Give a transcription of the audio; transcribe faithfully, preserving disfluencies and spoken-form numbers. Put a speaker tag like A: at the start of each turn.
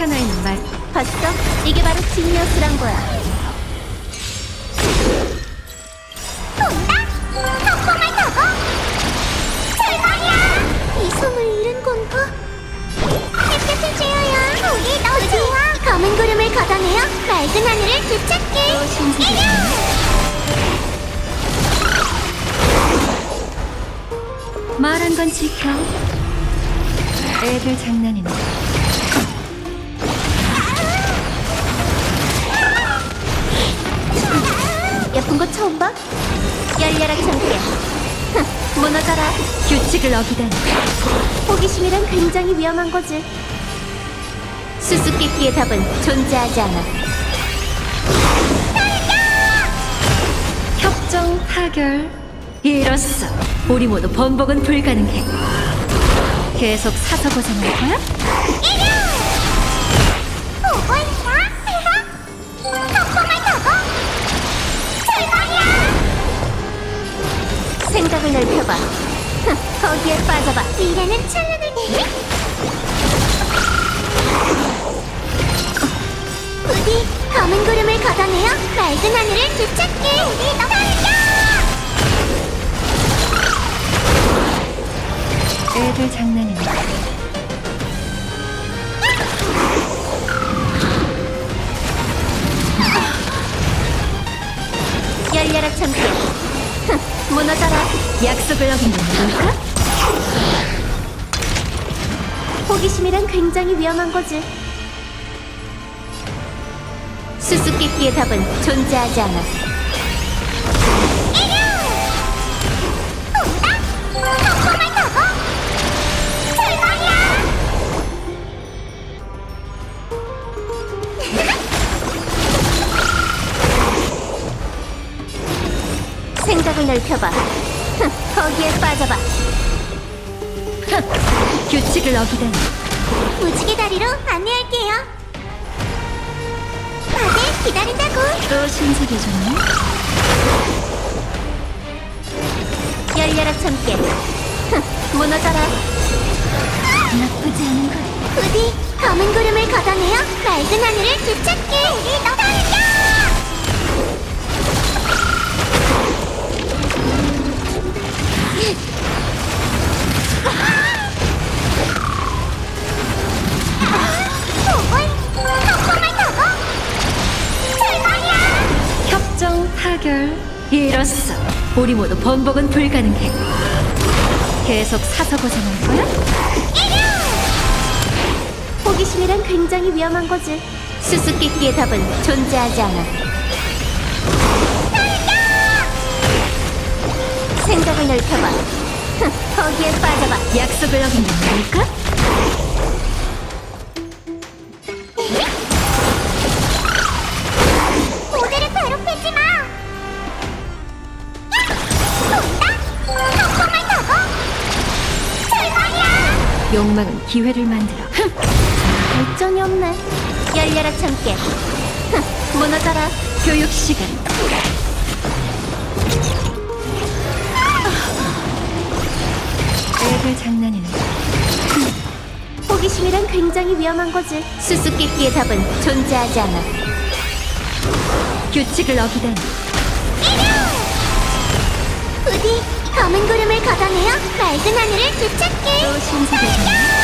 A: 사나이는 말.
B: 봤어? 이게 바로 지니어스란 거야. 돈다? 덕봉을 타고? 대박이야! 이 손을 잃은 건가? 햇볕을 쬐어야 우리 너무 좋아. 검은 구름을 걷어내어 맑은 하늘을 되찾게.
A: 또 신세계잖아. 말한 건 지켜. 애들 장난이네.
B: 예쁜 거 처음 봐? 열려라 참깨. 무너져라.
A: 규칙을 어기다니.
B: 호기심이란 굉장히 위험한 거지. 수수께끼의 답은 존재하지 않아.
A: 협정 타결. 이로써 우리 모두 번복은 불가능해. 계속 사서 고생할 거야?
B: 보고 있나? 덕봉을 타고? 대박이야! 생각을 넓혀봐. 거기에 빠져봐. 미래는 찬란하게. 부디 검은 구름을 걷어내어 맑은 하늘을 되찾게. 우리 너 달려!
A: 애들 장난이네.
B: 열려라 참깨. 무너져라.
A: 약속을 어긴 건 뭘까?
B: 호기심이란 굉장히 위험한 거지. 수수께끼의 답은 존재하지 않아. 덕봉을 타고? 대박이야! 생각을 넓혀봐. 거기에 빠져봐.
A: 규칙을 어기다니.
B: 무지개 다리로 안내할게요. 다들 기다린다고.
A: 또 신세계잖아.
B: 열려라 참깨. 무너져라.
A: 나쁘지 않은 거야.
B: 부디 검은 구름을 걷어내어 맑은 하늘을 되찾게. 우리 너 달려! 덕봉을 타고? 대박이야!
A: 협정 타결. 이로써 우리 모두 번복은 불가능해. 계속 사서 고생할 거야?
B: 호기심이란 굉장히 위험한 거지. 수수께끼의 답은 존재하지 않아. 생각을 넓혀봐. 거기에 빠져봐.
A: 약속을 어긴 건 뭘까?
B: 모델을 괴롭히지 마. 돈다? 덕봉을 타고? 대박이야!
A: 욕망은 기회를 만들어.
B: 발전이 없네. 열려라 참깨. 무너져라.
A: 교육 시간. 애들 장난이네.
B: 호기심이란 굉장히 위험한 거지. 수수께끼의 답은 존재하지 않아.
A: 규칙을 어기다니.
B: 부디 검은 구름을 걷어내어 맑은 하늘을 되찾게.
A: 또 신세계잖아.